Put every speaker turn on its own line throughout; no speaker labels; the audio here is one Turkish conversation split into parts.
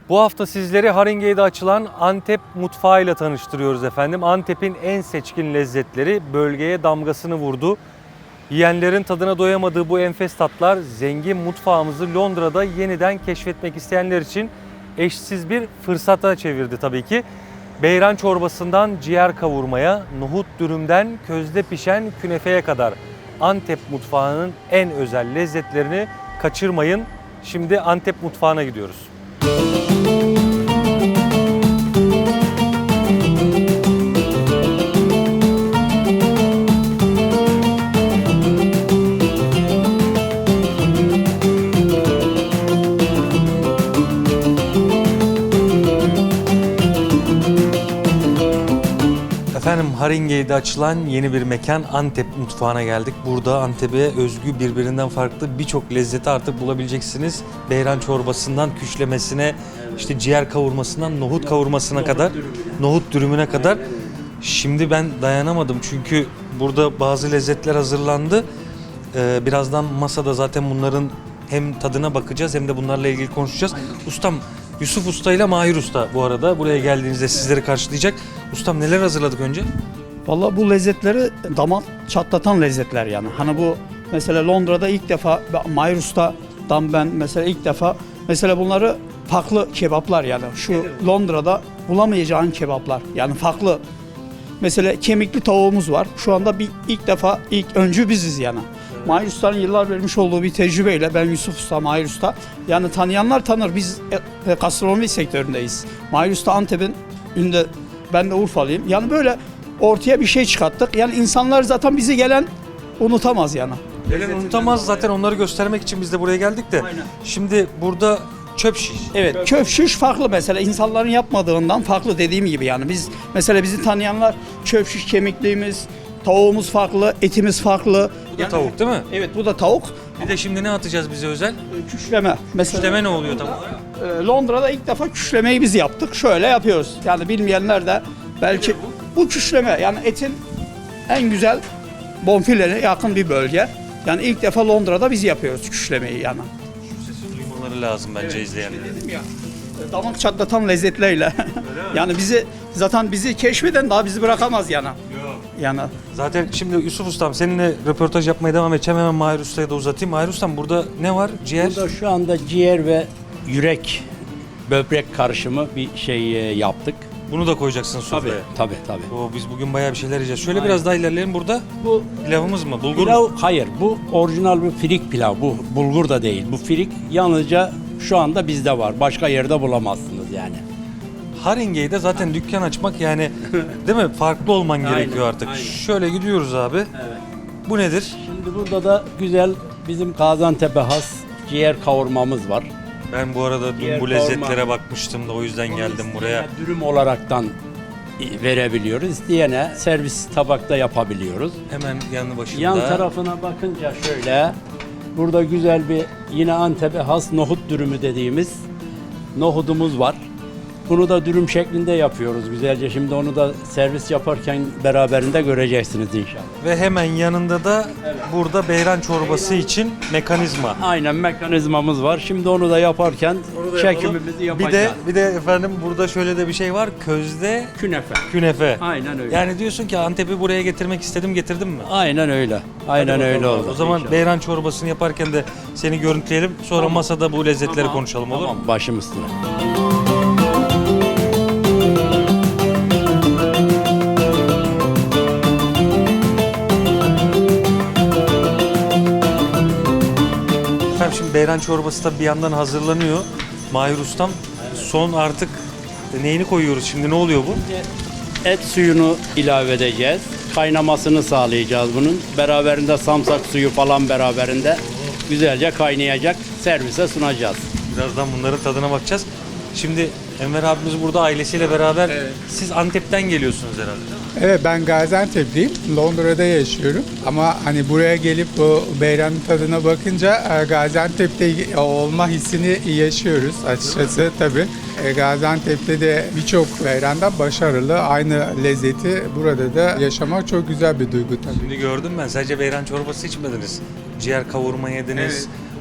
Bu hafta sizleri Haringey'de açılan Antep mutfağıyla tanıştırıyoruz efendim. Antep'in en seçkin lezzetleri bölgeye damgasını vurdu. Yiyenlerin tadına doyamadığı bu enfes tatlar zengin mutfağımızı Londra'da yeniden keşfetmek isteyenler için eşsiz bir fırsata çevirdi tabii ki. Beyran çorbasından ciğer kavurmaya, nohut dürümden közde pişen künefeye kadar Antep mutfağının en özel lezzetlerini kaçırmayın. Şimdi Antep mutfağına gidiyoruz. Efendim Haringey'de açılan yeni bir mekan Antep mutfağına geldik. Burada Antep'e özgü birbirinden farklı birçok lezzeti artık bulabileceksiniz. Beyran çorbasından küşlemesine, işte ciğer kavurmasından nohut kavurmasına kadar, nohut dürümüne kadar. Şimdi ben dayanamadım çünkü burada bazı lezzetler hazırlandı. Birazdan masada zaten bunların hem tadına bakacağız hem de bunlarla ilgili konuşacağız. Ustam Yusuf Usta ile Mahir Usta bu arada buraya geldiğinizde sizleri karşılayacak. Ustam neler hazırladık önce?
Vallahi bu lezzetleri damak çatlatan lezzetler yani. Hani bu mesela Londra'da ilk defa Mahir Usta'dan ben mesela ilk defa mesela bunları farklı kebaplar yani. Şu Londra'da bulamayacağın kebaplar yani farklı. Mesela kemikli tavuğumuz var. Şu anda ilk öncü biziz yani. Mahir Usta'nın yıllar vermiş olduğu bir tecrübeyle ben Yusuf Usta, Mahir Usta yani tanıyanlar tanır. Biz gastronomi sektöründeyiz. Mahir Usta Antep'in ünde, ben de Urfalıyım. Yani böyle ortaya bir şey çıkarttık. Yani insanlar zaten bizi gelen unutamaz yani.
Gelen unutamaz zaten onları göstermek için biz de buraya geldik de.
Aynen.
Şimdi burada çöp şiş.
Evet, çöp şiş farklı mesela insanların yapmadığından farklı dediğim gibi yani. Biz mesela bizi tanıyanlar çöp şiş kemikliğimiz, tavuğumuz farklı, etimiz farklı.
Bu da tavuk değil mi?
Evet, bu da tavuk.
Bir de şimdi ne atacağız bize özel?
Küşleme. Mesela
Küşleme ne oluyor tam?
Londra'da ilk defa küşlemeyi biz yaptık. Şöyle yapıyoruz. Yani bilmeyenler de belki bu küşleme yani etin en güzel bonfilene yakın bir bölge. Yani ilk defa Londra'da biz yapıyoruz küşlemeyi yani.
Şu sesi duymaları lazım bence izleyenler.
Dedim ya, damak çatlatan lezzetlerle. Yani bizi keşfeden daha bizi bırakamaz yani. Yani
Zaten şimdi Yusuf Ustam seninle röportaj yapmaya devam edeceğim. Hemen Mahir Usta'ya da uzatayım. Mahir Ustam burada ne var? Ciğer.
Burada şu anda ciğer ve yürek, böbrek karışımı bir şey yaptık.
Bunu da koyacaksın sofraya.
Tabii.
Oo, biz bugün bayağı bir şeyler yiyeceğiz. Şöyle biraz daha ilerleyelim burada.
Bu
Pilavımız mı? Bulgur
pilav,
mu?
hayır bu orijinal bir firik pilav. Bu bulgur da değil. Bu firik yalnızca şu anda bizde var. Başka yerde bulamazsınız yani.
Haringey'de zaten dükkan açmak yani değil mi? Farklı olman gerekiyor artık.
aynen.
Şöyle gidiyoruz abi.
Evet.
Bu nedir?
Şimdi burada da güzel bizim Gaziantep'e has ciğer kavurmamız var.
Ben bu arada dün
Ciğer
bu lezzetlere
kavurma.
bakmıştım da o yüzden geldim buraya.
İsteyene dürüm olaraktan verebiliyoruz. İsteyene servis tabakta yapabiliyoruz.
Hemen yanı başında.
Yan tarafına bakınca şöyle, burada güzel bir yine Antep'e has nohut dürümü dediğimiz nohudumuz var. Bunu da dürüm şeklinde yapıyoruz güzelce. Şimdi onu da servis yaparken beraberinde göreceksiniz inşallah.
Ve hemen yanında da burada beyran çorbası için mekanizma.
Aynen mekanizmamız var. Şimdi onu da yaparken çekimimizi yapacağız.
Bir de efendim burada şöyle de bir şey var. Közde
Künefe.
künefe.
Aynen öyle.
Yani diyorsun ki Antep'i buraya getirmek istedim, getirdim mi?
Aynen öyle. Aynen öyle oldu.
O zaman
İnşallah.
beyran çorbasını yaparken de seni görüntüleyelim. Sonra masada bu lezzetleri konuşalım olur mu?
Tamam, başım üstüne.
Efendim şimdi beyran çorbası da bir yandan hazırlanıyor. Mahir Ustam son artık neyini koyuyoruz şimdi ne oluyor bu?
Et suyunu ilave edeceğiz. Kaynamasını sağlayacağız bunun. Beraberinde samsak suyu falan beraberinde güzelce kaynayacak. Servise sunacağız.
Birazdan bunların tadına bakacağız. Şimdi Enver abimiz burada ailesiyle beraber. Siz Antep'ten geliyorsunuz herhalde değil mi?
Evet, ben Gaziantep'liyim. Londra'da yaşıyorum. Ama hani buraya gelip bu beyranın tadına bakınca Gaziantep'te olma hissini yaşıyoruz açıkçası tabii. Gaziantep'te de birçok beyranda başarılı. Aynı lezzeti burada da yaşamak çok güzel bir duygu tabii.
Şimdi gördüm ben sadece beyran çorbası içmediniz. Ciğer kavurma yediniz.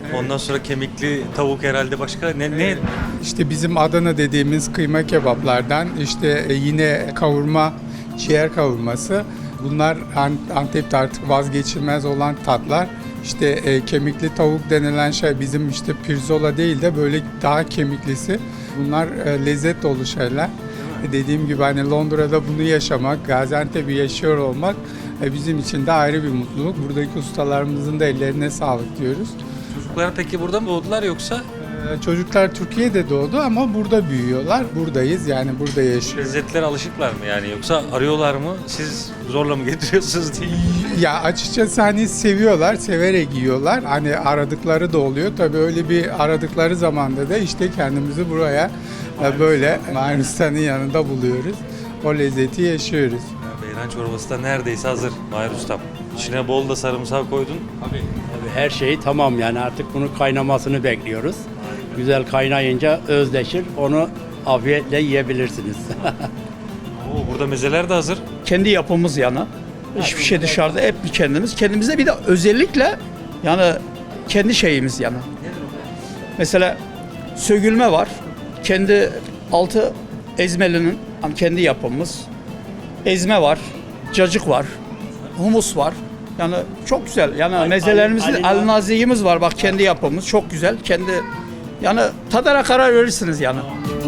Ondan sonra kemikli tavuk herhalde başka ne?
İşte bizim Adana dediğimiz kıyma kebaplardan işte yine kavurma, ciğer kavurması. Bunlar Antep'te artık vazgeçilmez olan tatlar. İşte kemikli tavuk denilen şey bizim işte pirzola değil de böyle daha kemiklisi. Bunlar lezzet dolu şeyler. Dediğim gibi hani Londra'da bunu yaşamak, Gaziantep'i yaşıyor olmak bizim için de ayrı bir mutluluk. Buradaki ustalarımızın da ellerine sağlık diyoruz.
Çocuklar peki burada mı doğdular yoksa?
Çocuklar Türkiye'de doğdu ama burada büyüyorlar. Buradayız yani burada yaşıyoruz.
Lezzetlere alışıklar mı yani yoksa arıyorlar mı? Siz zorla mı getiriyorsunuz diye.
Ya açıkçası hani seviyorlar, severek yiyorlar. Hani aradıkları da oluyor. Tabii öyle bir aradıkları zamanda da işte kendimizi buraya böyle Mahir yanında buluyoruz. O lezzeti yaşıyoruz.
Beyran çorbası da neredeyse hazır Mahir Ustam. İçine bol da sarımsak koydun.
Tabii her şey tamam yani artık bunun kaynamasını bekliyoruz. Güzel kaynayınca özleşir. Onu afiyetle yiyebilirsiniz.
Oo, burada mezeler de hazır.
Kendi yapımız yani. Hiçbir şey dışarıda, hep kendimiz. Kendimize bir de özellikle yani kendi şeyimiz yani. Mesela sögülme var. Kendi altı ezmelinin hani kendi yapımız. Ezme var, cacık var, humus var. Yani çok güzel. Yani mezelerimizin alnaziğimiz var. Bak kendi yapımız çok güzel. Kendi yani tadara karar verirsiniz yani.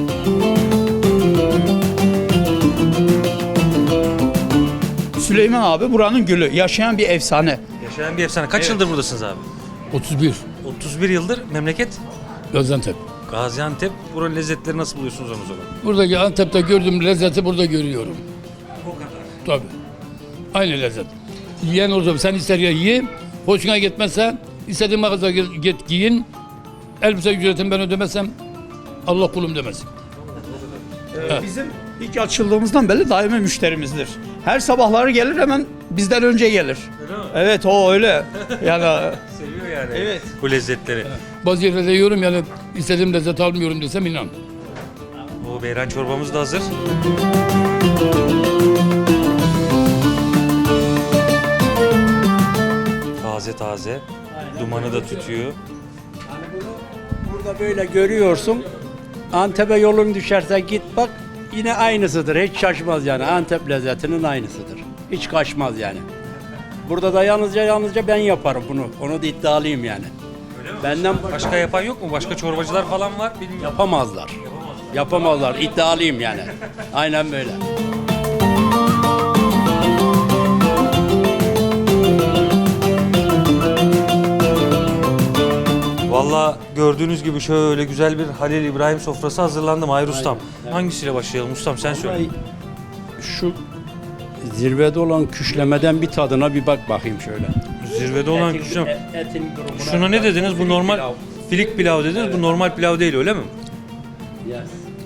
Süleyman abi buranın gülü. Yaşayan bir efsane.
Yaşayan bir efsane. Kaç yıldır buradasınız abi?
31
31 yıldır. Memleket?
Gaziantep.
Gaziantep. Buranın lezzetleri nasıl buluyorsunuz onu zaman?
Buradaki Antep'te gördüğüm lezzeti burada görüyorum.
O kadar.
Tabii. Aynı lezzet. Yiyen olursa sen ister ya ye, hoşuna gitmezse istediğin mağazaya git giyin. Elbise ücretini ben ödemezsem Allah kulum demez.
Bizim ilk açıldığımızdan beri daimi müşterimizdir. Her sabahları gelir hemen bizden önce gelir.
Öyle mi?
Evet o öyle. Yani
Seviyor yani
Evet.
bu lezzetleri.
Bazı yerlerde yiyorum yani istediğim lezzeti almıyorum desem inan.
O beyran çorbamız da hazır. Taze taze. Dumanı da tütüyor.
Hani bunu burada böyle görüyorsun. Antep'e yolun düşerse git bak yine aynısıdır. Hiç şaşmaz yani. Antep lezzetinin aynısıdır. Hiç kaçmaz yani. Burada da yalnızca ben yaparım bunu. Onu da iddialıyım yani. Benden
Başka yapan yok mu? Başka çorbacılar falan var bilmiyorum.
yapamazlar. Yapamazlar. İddialıyım yani. Aynen böyle.
Valla gördüğünüz gibi şöyle güzel bir Halil İbrahim sofrası hazırlandı Mahir Ustam. Hangisiyle başlayalım Ustam sen söyle.
Vallahi şu zirvede olan küşlemeden bir tadına bir bak bakayım şöyle.
Zirvede olan
Etin-
küşlem.
Etin grubuna.
Şuna ne dediniz? Bu normal
pilav.
filik pilav dediniz. Bu normal pilav değil öyle mi?
Yes.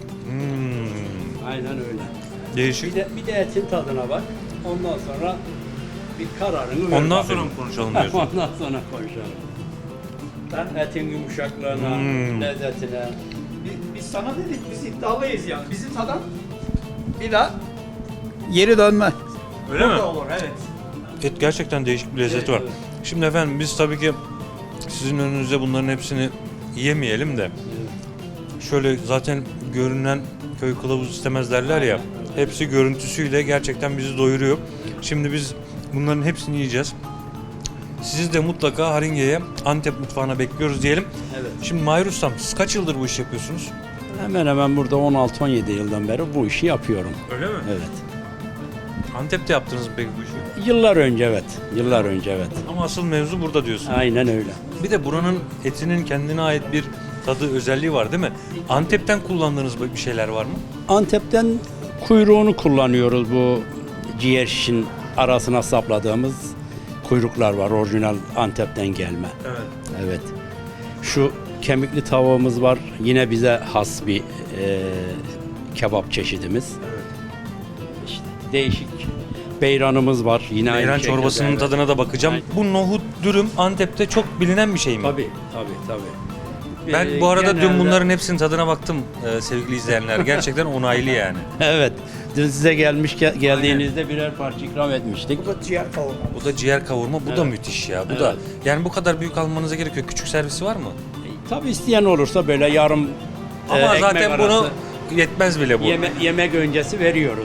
Hmm,
Aynen öyle.
değişik.
Bir de etin tadına bak. Ondan sonra bir kararını ver
Ondan
bakayım.
sonra mı konuşalım diyorsun?
Ondan sonra konuşalım. Ben etin yumuşaklığına, lezzetine.
biz sana dedik biz iddialıyız yani. Bizi tadan bir daha geri dönme.
Öyle mi?
Olur evet.
Et gerçekten değişik bir lezzeti var.
evet.
Şimdi efendim biz tabii ki sizin önünüzde bunların hepsini yemeyelim de şöyle zaten görünen köy kılavuz istemez derler ya. Hepsi görüntüsüyle gerçekten bizi doyuruyor. Şimdi biz bunların hepsini yiyeceğiz. Sizi de mutlaka Haringe'ye, Antep mutfağına bekliyoruz diyelim.
Evet.
Şimdi Mahir Ustam siz kaç yıldır bu işi yapıyorsunuz?
Hemen hemen burada 16-17 yıldan beri bu işi yapıyorum.
Öyle mi?
Evet.
Antep'te yaptınız mı peki bu işi?
Yıllar önce evet. Yıllar önce evet.
Ama asıl mevzu burada diyorsun.
Aynen öyle.
Bir de buranın etinin kendine ait bir tadı, özelliği var değil mi? Antep'ten kullandığınız bir şeyler var mı?
Antep'ten kuyruğunu kullanıyoruz bu ciğer şişin arasına sapladığımız kuyruklar var. Orijinal Antep'ten gelme.
Evet.
Evet. Şu kemikli tavuğumuz var. Yine bize has bir kebap çeşidimiz. İşte değişik beyranımız var. Yine aynı
Beyran
şekilde,
çorbasının
evet.
tadına da bakacağım.
Aynen.
Bu nohut dürüm Antep'te çok bilinen bir şey mi?
Tabii.
Ben bu arada dün
genelde-
bunların hepsinin tadına baktım sevgili izleyenler. Gerçekten onaylı yani.
Evet. Dün size geldiğinizde birer parça ikram etmiştik.
Bu da ciğer kavurma.
Bu da ciğer kavurma. Bu da müthiş ya. Bu da
Evet.
yani bu kadar büyük almanıza gerek yok. Küçük servisi var mı?
Tabii isteyen olursa böyle yarım
Ama
ekmek
zaten
arası
bunu yetmez bile bu.
yemek öncesi veriyoruz.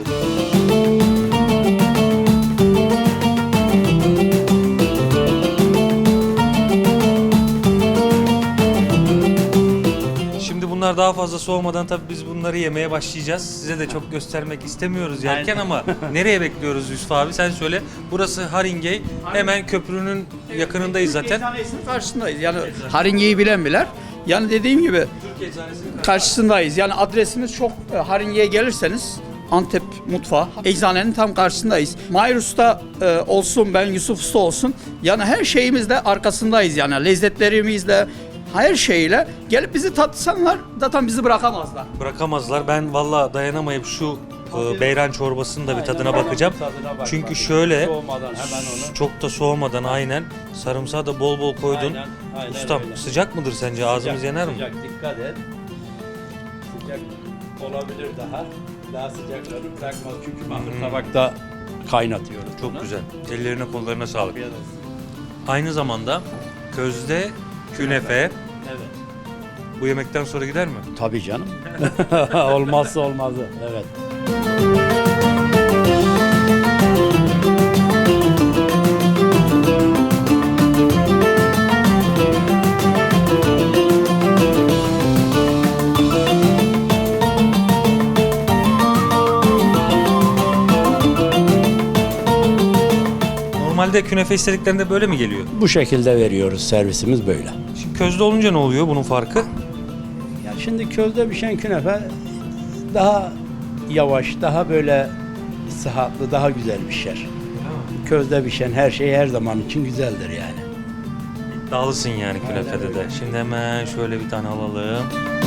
Şimdi bunlar daha fazla soğumadan tabii biz bunları yemeye başlayacağız. Size de çok göstermek istemiyoruz yerken ama nereye bekliyoruz Yusuf abi? Sen söyle. Burası Haringey. Hemen köprünün yakınındayız zaten.
Eczanesinin karşısındayız. Yani Haringey'i bilen bilir. Yani dediğim gibi
Türk Eczanesinin
karşısındayız. Yani adresimiz çok Haringey'e gelirseniz Antep mutfağı. Eczanenin tam karşısındayız. Mahir Usta olsun, ben Yusuf Usta olsun. Yani her şeyimizde arkasındayız yani. Lezzetlerimizle, her şeyle. Gelip bizi tatsanlar zaten bizi bırakamazlar.
bırakamazlar. Ben valla dayanamayıp şu beyran çorbasının da bir tadına bakacağım.
Tadına bak,
Çünkü
bak.
şöyle
Soğumadan hemen onu.
çok da soğumadan aynen. Sarımsağı da bol bol koydun.
Aynen
Ustam
öyle.
sıcak mıdır sence? Ağzımız
Sıcak,
yanar mı?
Sıcak, dikkat et. Sıcak olabilir daha. Daha sıcakları bırakmaz çünkü mahmur tabakta kaynatıyoruz.
Çok
bunu.
güzel. Ellerine kollarına sağlık.
Afiyet olsun.
Aynı zamanda közde künefe.
Evet.
Bu yemekten sonra gider mi?
Tabii canım. Olmazsa olmazı. Evet.
Normalde künefe istediklerinde böyle mi geliyor?
Bu şekilde veriyoruz. Servisimiz böyle.
Şimdi közde olunca ne oluyor bunun farkı?
Ya şimdi közde pişen künefe daha yavaş, daha böyle sıhhatlı, daha güzel pişer. Közde pişen her şey her zaman için güzeldir yani.
Dağlısın yani künefede de. Şimdi hemen şöyle bir tane alalım.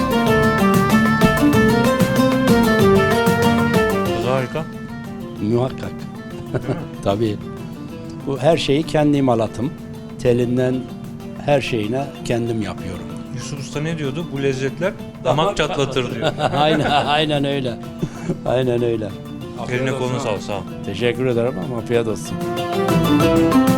Bu da harika.
Muhakkak. Tabii. Bu her şeyi kendi imalatım. Telinden her şeyine kendim yapıyorum.
Yusuf Usta ne diyordu? Bu lezzetler damak çatlatır diyor.
aynen öyle. Aynen öyle.
Eline koluna sağlık, sağ ol.
Teşekkür ederim ama afiyet olsun.